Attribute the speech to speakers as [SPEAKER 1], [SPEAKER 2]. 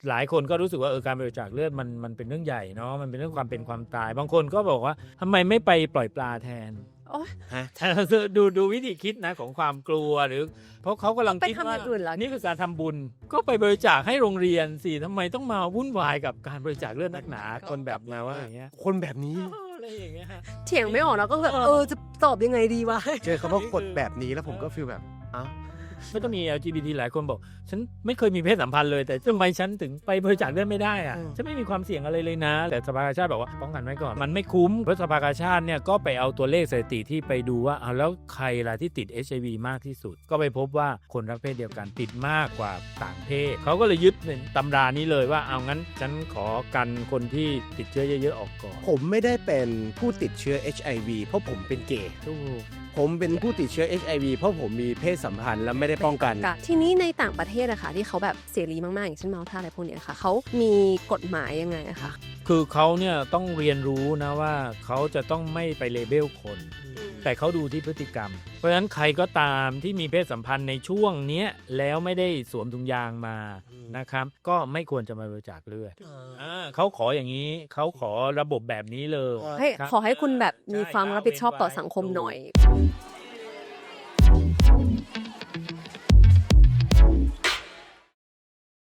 [SPEAKER 1] หลายคนก็รู้สึกว่าการบริจาคเลือดมันเป็นเรื่องใหญ่เนาะมันเป็นเรื่องความเป็นความตายบางคนก็บอกว่าทำไมไม่ไปปล่อยปลาแทนดูวิธีคิดนะของความกลัวหรือเพราะเขากำลังคิดว่านี่คือการทำบุญก็ไปบริจาคให้โรงเรียนสิทำไมต้องมาวุ่นวายกับการบริจาคเลือดนักหนาคนแบบมาว่าอย่างเงี้ย
[SPEAKER 2] คนแบบนี้
[SPEAKER 1] อะไรอย่างเงี้ย
[SPEAKER 3] เถียงไม่ออกแล้วก็แบบจะตอบยังไงดีวะ
[SPEAKER 2] เจอคำว่าคนแบบนี้แล้วผมก็ฟีลแบบ
[SPEAKER 1] ไม่ต้องมี LGBT หลายคนบอกฉันไม่เคยมีเพศสัมพันธ์เลยแต่ทำไมฉันถึงไปบริจาคเลือดไม่ได้อะฉันไม่มีความเสี่ยงอะไรเลยนะแต่สภากาชาติบอกว่าป้องกันไว้ก่อนมันไม่คุ้มเพราะสภากาชาติเนี่ยก็ไปเอาตัวเลขสถิติที่ไปดูว่าแล้วใครล่ะที่ติด HIV มากที่สุดก็ไปพบว่าคนรักเพศเดียวกันติดมากกว่าต่างเพศเขาก็เลยยึดในตำรานี้เลยว่าเอางั้นฉันขอกันคนที่ติดเชื้อเยอะๆออกก่อน
[SPEAKER 2] ผมไม่ได้เป็นผู้ติดเชื้อ HIV เพราะผมเป็นเกย์ผมเป็นผู้ติดเชื้อ HIV เพราะผมมีเพศสัมพันธ์และไม่ได้ป้องกัน
[SPEAKER 3] ทีนี้ในต่างประเทศอะค่ะที่เขาแบบเสรีมากๆอย่างเช่นเมาท่าอะไรพวกนี้ค่ะเขามีกฎหมายยังไงอะคะ
[SPEAKER 1] คือเขาเนี่ยต้องเรียนรู้นะว่าเขาจะต้องไม่ไปเลเบลคนแต่เขาดูที่พฤติกรรมเพราะฉะนั้นใครก็ตามที่มีเพศสัมพันธ์ในช่วงนี้แล้วไม่ได้สวมถุงยางมานะครับก็ไม่ควรจะมาบริจาคเลือดเขาขออย่างนี้เขาขอระบบแบบนี้เลย
[SPEAKER 3] ขอให้คุณแบบมีความรับผิดชอบต่อสังคมหน่อย